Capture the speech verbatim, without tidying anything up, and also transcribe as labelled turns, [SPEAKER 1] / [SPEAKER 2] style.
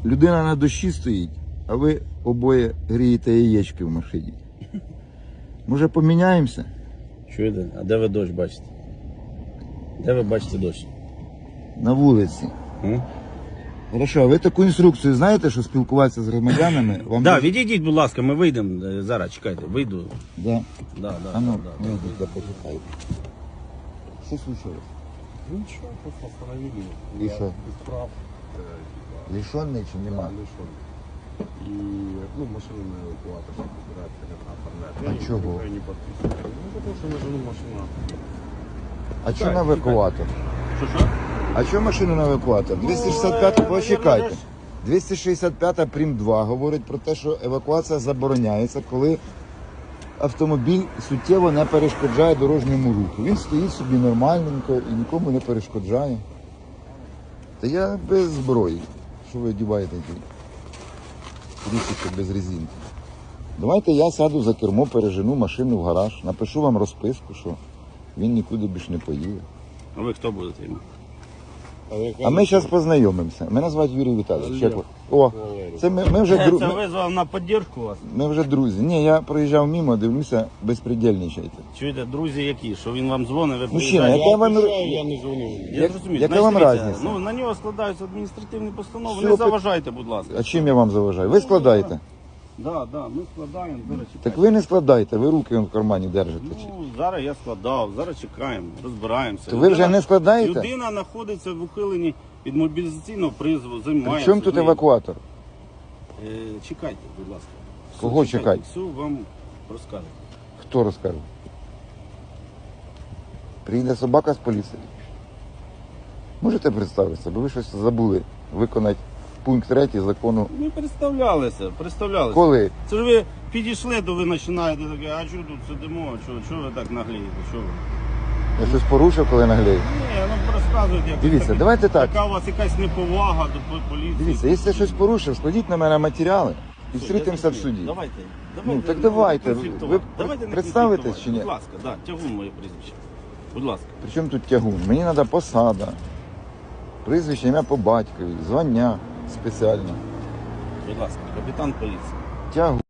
[SPEAKER 1] Людина на дощі стоїть, а ви обоє грієте яєчки в машині. Може поміняємося?
[SPEAKER 2] Чуєте? А де ви дощ бачите? Де ви бачите дощ?
[SPEAKER 1] На вулиці.
[SPEAKER 2] М?
[SPEAKER 1] Хорошо, а ви таку інструкцію знаєте, що спілкуватися з громадянами? Вам
[SPEAKER 2] Да,
[SPEAKER 1] дуже-
[SPEAKER 2] відійдіть, будь ласка, ми вийдемо. е, Зараз, чекайте, вийду.
[SPEAKER 1] Да.
[SPEAKER 2] Да, да,
[SPEAKER 1] А ну,
[SPEAKER 2] да, да,
[SPEAKER 1] ну,
[SPEAKER 2] да.
[SPEAKER 1] да, почекайте. Що случилось?
[SPEAKER 3] Ничего, просто остановили.
[SPEAKER 1] И
[SPEAKER 3] Я
[SPEAKER 1] что?
[SPEAKER 3] без прав. э, типа,
[SPEAKER 1] Лишенний чи
[SPEAKER 3] да,
[SPEAKER 1] нема?
[SPEAKER 3] лишен. И, ну, машину на эвакуатор сейчас собирают, конечно, оформлять.
[SPEAKER 1] А
[SPEAKER 3] Я не-
[SPEAKER 1] чего?
[SPEAKER 3] Я не подписываю. Ну, потому что на жену машина.
[SPEAKER 1] А що на евакуатор?
[SPEAKER 2] Що, що?
[SPEAKER 1] А що машину на евакуатор? двісті шістдесят п'ять, почекайте. двісті шістдесят п'ять прим два говорить про те, що евакуація забороняється, коли автомобіль суттєво не перешкоджає дорожньому руху. Він стоїть собі нормальненько і нікому не перешкоджає. Та я без зброї. Що ви одягаєте ті річки без резинки? Давайте я сяду за кермо, пережену машину в гараж, напишу вам розписку, що він нікуди більше не поїде.
[SPEAKER 2] А ви хто будете йому?
[SPEAKER 1] А ми зараз познайомимося. Мене звати Юрій Віталійович. Як ви? О, це ми, ми вже
[SPEAKER 2] Це
[SPEAKER 1] друзі.
[SPEAKER 2] визвав на підтримку вас.
[SPEAKER 1] Ми вже друзі. Ні, я проїжджав мимо, дивлюся, безпредельничайте.
[SPEAKER 2] Чуєте, друзі які? Що він вам дзвонить, ви
[SPEAKER 1] Мужчина,
[SPEAKER 2] приїжджаєте?
[SPEAKER 1] яка вам
[SPEAKER 3] Я не звонил.
[SPEAKER 2] Я
[SPEAKER 1] як-
[SPEAKER 2] зрозумів.
[SPEAKER 1] яка
[SPEAKER 2] Значить,
[SPEAKER 1] вам
[SPEAKER 2] дивіться,
[SPEAKER 1] разниця?
[SPEAKER 2] Ну, на нього складаються адміністративні постанови.
[SPEAKER 1] Все,
[SPEAKER 2] Не
[SPEAKER 1] пи-
[SPEAKER 2] заважайте, будь ласка.
[SPEAKER 1] А чим я вам заважаю? Ви складаєте?
[SPEAKER 2] Да, да, ми складаємо, зараз чекаємо.
[SPEAKER 1] Так ви не складаєте, ви руки в кармані держите.
[SPEAKER 2] Ну, зараз я складав, зараз чекаємо, розбираємося.
[SPEAKER 1] То ви вже не складаєте?
[SPEAKER 2] Людина знаходиться в ухиленні від мобілізаційного призову,
[SPEAKER 1] При
[SPEAKER 2] займається.
[SPEAKER 1] чому тут
[SPEAKER 2] з нею.
[SPEAKER 1] евакуатор?
[SPEAKER 2] Е, чекайте, будь ласка. Все,
[SPEAKER 1] Кого
[SPEAKER 2] чекайте?
[SPEAKER 1] чекати?
[SPEAKER 2] Все вам розкажу.
[SPEAKER 1] Хто розкаже? Приїде собака з поліції. Можете представитися, бо ви щось забули виконати пункт третій закону.
[SPEAKER 2] Ми представлялися, представлялися.
[SPEAKER 1] Коли?
[SPEAKER 2] Це ж ви підійшли, то ви починаєте таке, а чого тут сидимо, чого, чого ви так наглієте, чого ви?
[SPEAKER 1] Я щось порушив, коли наглею?
[SPEAKER 2] Ні, ну розказуйте, як
[SPEAKER 1] Дивіться,
[SPEAKER 2] так-
[SPEAKER 1] давайте так.
[SPEAKER 2] Яка у вас якась неповага до по- поліції.
[SPEAKER 1] Дивіться, якщо я щось порушив, складіть на мене матеріали і зустрітимося в суді.
[SPEAKER 2] Давайте.
[SPEAKER 1] Ну, так давайте. Ви
[SPEAKER 2] давайте не
[SPEAKER 1] представитесь
[SPEAKER 2] конфліктувати.
[SPEAKER 1] чи ні?
[SPEAKER 2] Будь ласка, да, тягун моє прізвище. Будь ласка.
[SPEAKER 1] Причому тут тягун? Мені треба посада, прізвище, ім'я по батькові, звання спеціальне.
[SPEAKER 2] Будь ласка, капітан поліції.
[SPEAKER 1] Тягун.